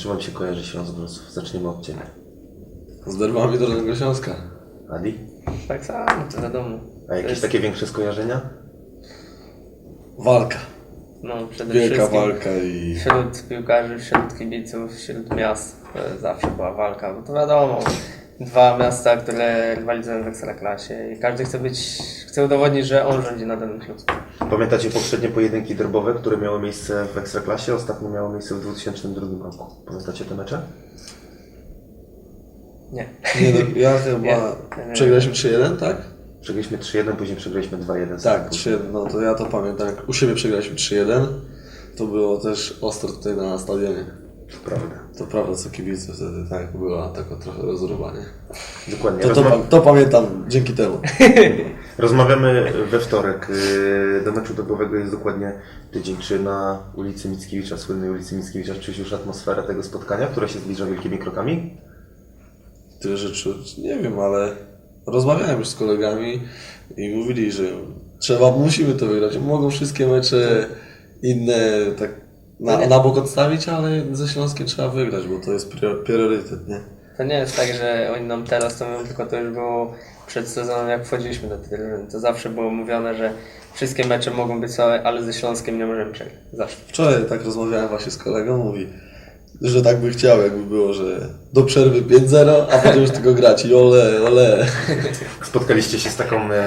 czym wam się kojarzy Śląsk Wrocław? Zaczniemy od Ciebie. Z derbami Dolnego Śląska. Adi? Tak samo, to wiadomo. A jakieś takie większe skojarzenia? Walka. No, przede Wielka wszystkim walka i... wśród piłkarzy, wśród kibiców, wśród miast zawsze była walka, bo to wiadomo, dwa miasta, które rywalizują w Ekstraklasie i każdy chce udowodnić, że on rządzi na danym Śląsku. Pamiętacie poprzednie pojedynki derbowe, które miały miejsce w Ekstraklasie? Ostatnio miało miejsce w 2002 roku. Pamiętacie te mecze? Nie. Nie, no, ja chyba... Nie. Przegraliśmy 3-1, tak? Przegraliśmy 3-1, później przegraliśmy 2-1. Tak, 3-1, no to ja to pamiętam. Jak u siebie przegraliśmy 3-1, to było też ostro tutaj na stadionie. To prawda. To prawda, co kibice wtedy, tak, była taka trochę rozruwanie. Dokładnie. To pamiętam dzięki temu. Rozmawiamy we wtorek. Do meczu derbowego jest dokładnie tydzień. Czy na ulicy Mickiewicza, słynnej ulicy Mickiewicza, czuć już atmosferę tego spotkania, która się zbliża wielkimi krokami? Tyle rzeczy, nie wiem, ale rozmawiałem już z kolegami i mówili, że musimy to wygrać. Mogą wszystkie mecze inne tak na bok odstawić, ale ze Śląskiem trzeba wygrać, bo to jest priorytet, nie? To nie jest tak, że oni nam teraz to mówią, tylko to już było przed sezonem, jak wchodziliśmy do tej drużyny. To zawsze było mówione, że wszystkie mecze mogą być słabe, ale ze Śląskiem nie możemy przegrać. Zawsze. Wczoraj tak rozmawiałem właśnie z kolegą, mówi, że tak by chciał, jakby było, że do przerwy 5-0, a potem już tylko grać i ole. Spotkaliście się z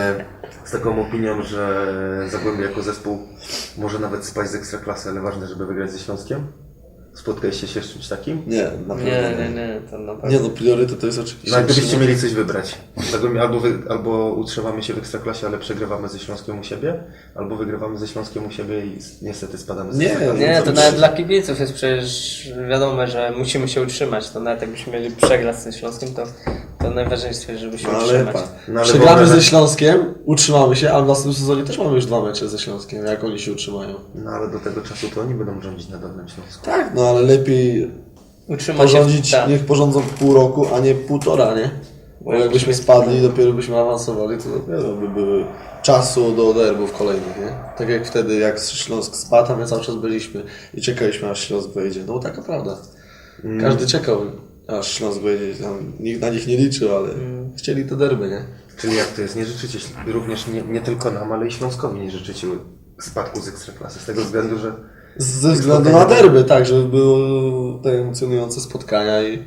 taką opinią, że Zagłębie jako zespół może nawet spaść z Ekstraklasy, ale ważne, żeby wygrać ze Śląskiem? Spotkaliście się z czymś takim? Nie, na pewno Nie, to na pewno. Nie, no priorytet to jest oczywiście... No a gdybyście mieli coś wybrać, Zagłębie albo utrzymamy się w Ekstraklasie, ale przegrywamy ze Śląskiem u siebie, albo wygrywamy ze Śląskiem u siebie i niestety spadamy z Ekstraklasy. Nie, to nawet dla kibiców jest przecież wiadomo, że musimy się utrzymać. To nawet jakbyśmy mieli przegrać ze Śląskiem, to najważniejsze jest, żeby się utrzymać. Przegramy ze Śląskiem, utrzymamy się, ale w następnym sezonie też mamy już 2 mecze ze Śląskiem, jak oni się utrzymają. No ale do tego czasu to oni będą rządzić na Dolnym Śląsku. Tak, no ale lepiej Utrzymać porządzić, się niech porządzą pół roku, a nie 1,5, nie? Bo jakbyśmy spadli i dopiero byśmy awansowali, to dopiero by były czasu do derbów kolejnych, nie? Tak jak wtedy, jak Śląsk spadł, a my cały czas byliśmy i czekaliśmy, aż Śląsk wejdzie. No taka prawda. Każdy czekał, aż Śląsk wejdzie. Tam nikt na nich nie liczył, ale chcieli te derby, nie? Czyli jak to jest? Nie życzycie również nie tylko nam, ale i Śląskowi nie życzycie spadku z Ekstraklasy, z tego względu, że... Ze względu na derby, tak, żeby były te emocjonujące spotkania i...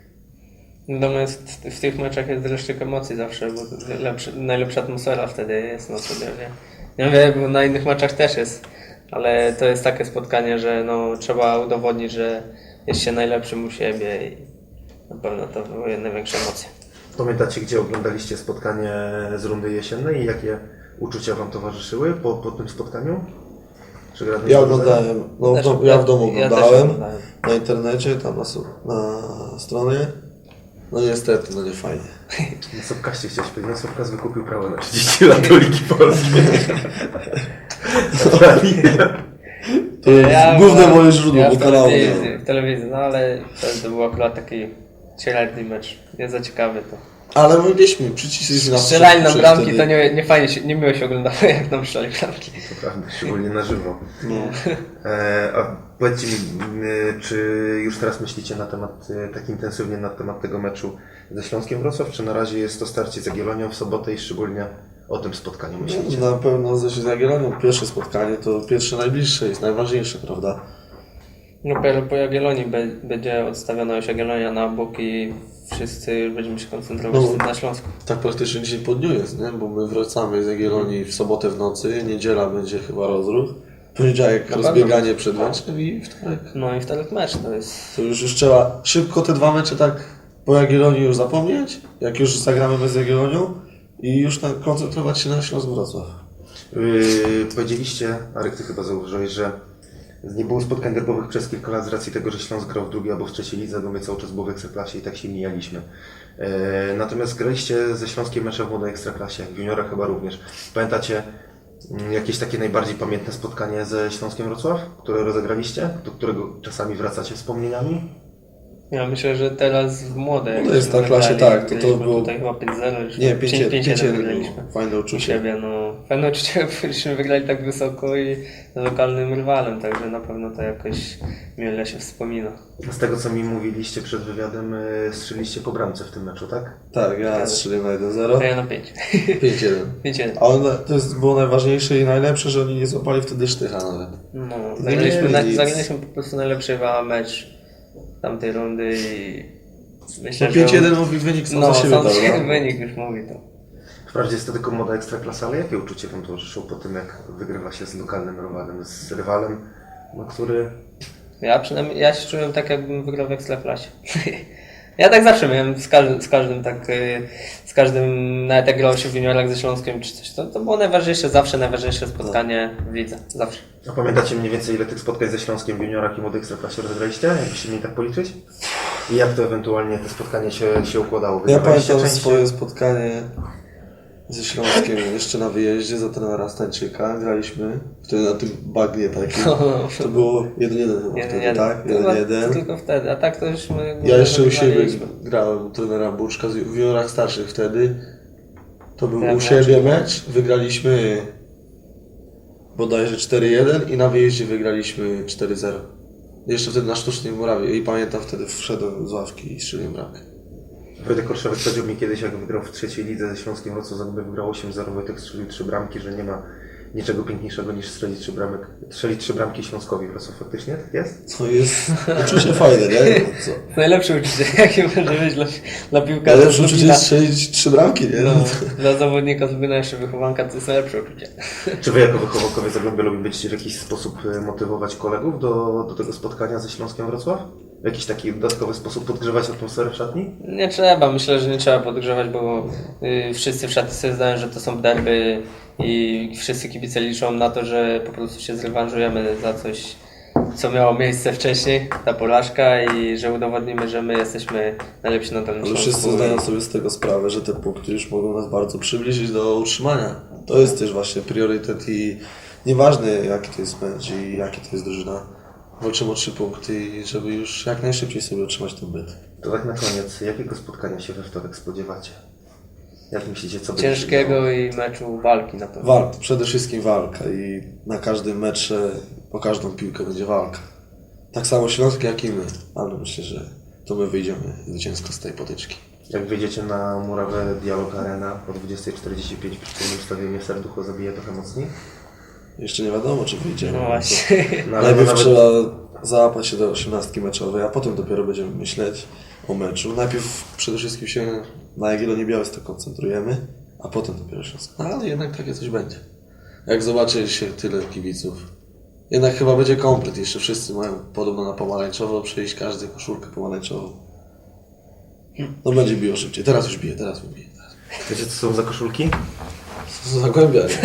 Natomiast w tych meczach jest dreszczyk emocji zawsze, bo najlepsza atmosfera wtedy jest na stadionie. Nie wiem, bo na innych meczach też jest, ale to jest takie spotkanie, że no, trzeba udowodnić, że jest się najlepszym u siebie i na pewno to wywołuje największe emocje. Pamiętacie, gdzie oglądaliście spotkanie z rundy jesiennej i jakie uczucia Wam towarzyszyły po tym spotkaniu? Ja oglądałem, ja w domu oglądałem, oglądałem. na internecie, tam na stronie. No niestety, no nie fajnie. Na Sobkaście chciałeś powiedzieć, Sobkas wykupił prawo na 30 lat do Ligi Polskiej. To jest główne moje źródło, bo kanału nie ma. W telewizji, no ale to był akurat taki średni mecz, nie za ciekawy to. Ale mogliśmy, przycisnęliśmy na Strzelali na bramki, to nie fajnie się, nie miło się oglądało, jak nam strzelali bramki. To prawda, szczególnie na żywo. No. A powiedzcie mi, czy już teraz myślicie na temat, tak intensywnie na temat tego meczu ze Śląskiem Wrocław, czy na razie jest to starcie z Jagiellonią w sobotę i szczególnie o tym spotkaniu myślicie? Na pewno ze Jagiellonią pierwsze spotkanie to pierwsze najbliższe, jest najważniejsze, prawda? No po Jagiellonii będzie odstawiona już Jagiellonia na bok i wszyscy będziemy się koncentrować na Śląsku. Tak praktycznie dzień po dniu jest, nie? Bo my wracamy z Jagiellonii w sobotę w nocy, niedziela będzie chyba rozruch, poniedziałek rozbieganie przed meczem i wtorek. No i wtorek mecz to jest... To już trzeba szybko te 2 mecze tak po Jagiellonii już zapomnieć, jak już zagramy bez Jagiellonią i już koncentrować się na Śląsk Wrocław. Powiedzieliście, Arek, ty chyba zauważyłeś, że nie było spotkań derbowych przez kilka lat z racji tego, że Śląsk grał w drugiej albo w trzeciej lidze, bo my cały czas było w Ekstraklasie i tak się mijaliśmy. Natomiast graliście ze Śląskiem mecze w młodej Ekstraklasie, w juniorach chyba również. Pamiętacie jakieś takie najbardziej pamiętne spotkanie ze Śląskiem Wrocław, które rozegraliście, do którego czasami wracacie wspomnieniami? Ja myślę, że teraz w młodej... No to jest na klasie, tak, to było... Tutaj chyba 5-0, Nie, 5-1 wygraliśmy. fajne U uczucie. siebie, no pewne uczucie, byśmy wygrali tak wysoko i z lokalnym rywalem, także na pewno to jakoś mile się wspomina. Z tego, co mi mówiliście przed wywiadem, strzeliście po bramce w tym meczu, tak? Tak, ja strzeliłem na To 1-0. ja na 5. 5-1. 5-1. A było najważniejsze i najlepsze, że oni nie złapali wtedy sztycha nawet. No, mieli nic. zagraliśmy po prostu najlepszy mecz tamtej rundy i myślę, No że... 5-1 mówi wynik sam za siebie sam dał, się no. wynik już mówi to. Wprawdzie jest to tylko młoda ekstraklasa, ale jakie uczucie wam towarzyszyło po tym, jak wygrywa się z lokalnym rywalem, z rywalem, no, który... Ja się czułem tak, jakbym wygrał w Ekstraklasie. Ja tak zawsze miałem z każdym, nawet jak grało się w juniorach ze Śląskiem czy coś, to było najważniejsze spotkanie w lidze, zawsze. A pamiętacie mniej więcej, ile tych spotkań ze Śląskiem w juniorach i młodej ekstraklasie rozegraliście? Jakbyście mieli tak policzyć? I jak to ewentualnie te spotkanie się układało? Ja Wygrywaliście pamiętam częściej? swoje spotkanie ze Śląskiem jeszcze na wyjeździe za trenera Stańczyka. Graliśmy wtedy na tym bagnie takim. To było 1-1 chyba wtedy, tak? 1-1. Tylko wtedy, a tak to już my... Ja jeszcze u siebie wygraliśmy. grałem u trenera Buczka w juniorach starszych wtedy. To był Tak, u siebie mecz. Wygraliśmy bodajże 4-1 i na wyjeździe wygraliśmy 4-0. Jeszcze wtedy na Sztucznej Murawie i pamiętam wtedy wszedłem z ławki i strzeliłem bramkę. Wojtek Korszewek powiedział mi kiedyś, jak wygrał w trzeciej lidze ze Śląskiem Wrocław, jakby wygrał 8-0, Wojtek strzelił 3 bramki, że nie ma niczego piękniejszego niż strzelić 3 bramki Śląskowi Wrocław. Faktycznie tak jest? To jest uczucie fajne, nie? Co? Najlepsze uczucie, jakie może być dla piłkarza. Najlepsze uczucie jest strzelić 3 bramki, nie? No, dla zawodnika z jeszcze wychowanka to jest najlepsze uczucie. Czy wy jako wychowankowie Zagłębia lubicie w jakiś sposób motywować kolegów do tego spotkania ze Śląskiem Wrocław? W jakiś taki dodatkowy sposób podgrzewać atmosferę w szatni? Nie trzeba, myślę, że nie trzeba podgrzewać, bo wszyscy w szatni sobie zdają, że to są derby i wszyscy kibice liczą na to, że po prostu się zrewanżujemy za coś, co miało miejsce wcześniej, ta porażka i że udowodnimy, że my jesteśmy najlepsi na danym Ale Śląsku. wszyscy zdają sobie z tego sprawę, że te punkty już mogą nas bardzo przybliżyć do utrzymania. To jest też właśnie priorytet i nieważne jaki to jest mecz i jaki to jest drużyna. Walczymy o 3 punkty i żeby już jak najszybciej sobie utrzymać ten byt. To tak na koniec, jakiego spotkania się we wtorek spodziewacie? Jak myślicie, co będzie się działo? Ciężkiego i meczu walki na pewno. Walka, przede wszystkim walka i na każdym mecze, po każdą piłkę będzie walka. Tak samo Śląsk jak i my, ale myślę, że to my wyjdziemy zwycięsko z tej potyczki. Jak wyjdziecie na murawę Dialog Arena o 20:45 przy tym ustawieniu serducho zabije trochę mocniej? Jeszcze nie wiadomo, czy wyjdziemy. No właśnie. No, ale Najpierw nawet... trzeba załapać się do 18 meczowej, a potem dopiero będziemy myśleć o meczu. Najpierw przede wszystkim się na Jagiellonii Białystok koncentrujemy, a potem dopiero Śląsk. No, ale jednak takie coś będzie. Jak zobaczy się tyle kibiców. Jednak chyba będzie komplet. Jeszcze wszyscy mają podobno na pomarańczowo, przejść każdy koszulkę pomarańczową. No będzie biło szybciej. Teraz już bije, teraz mi bije. Teraz. Wiecie, co są za koszulki? Co za Zagłębia, nie?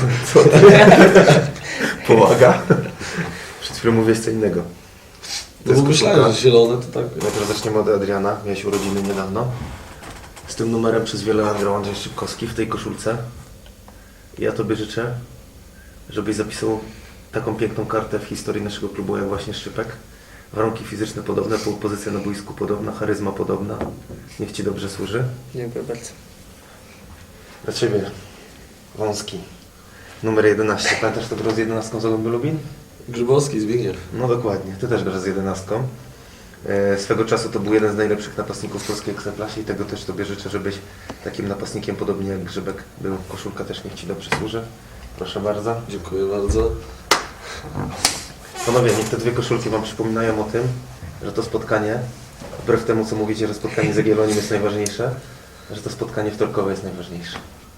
Pomaga. Przed chwilą mówiłeś co innego. No bo myślałem, że zielone to tak... Najpierw zaczniemy od Adriana. Miałeś urodziny niedawno. Z tym numerem przez wiele lat grał Andrzej Szczypkowski w tej koszulce. I ja Tobie życzę, żebyś zapisał taką piękną kartę w historii naszego klubu jak właśnie Szczypek. Warunki fizyczne podobne, pozycja na boisku podobna, charyzma podobna. Niech Ci dobrze służy. Dziękuję bardzo. Dla Ciebie wąski. Numer 11. Pamiętasz, kto grał z 11 Zagłębiu Lubin? Grzybowski, Zbigniew. No dokładnie. Ty też grasz z 11. Swego czasu to był jeden z najlepszych napastników w polskiej ekstraklasie i tego też Tobie życzę, żebyś takim napastnikiem podobnie jak Grzybek był. Koszulka też niech Ci dobrze służy. Proszę bardzo. Dziękuję bardzo. Panowie, niech te dwie koszulki Wam przypominają o tym, że to spotkanie, wbrew temu co mówicie, że spotkanie z Jagiellonią jest najważniejsze, że to spotkanie wtorkowe jest najważniejsze.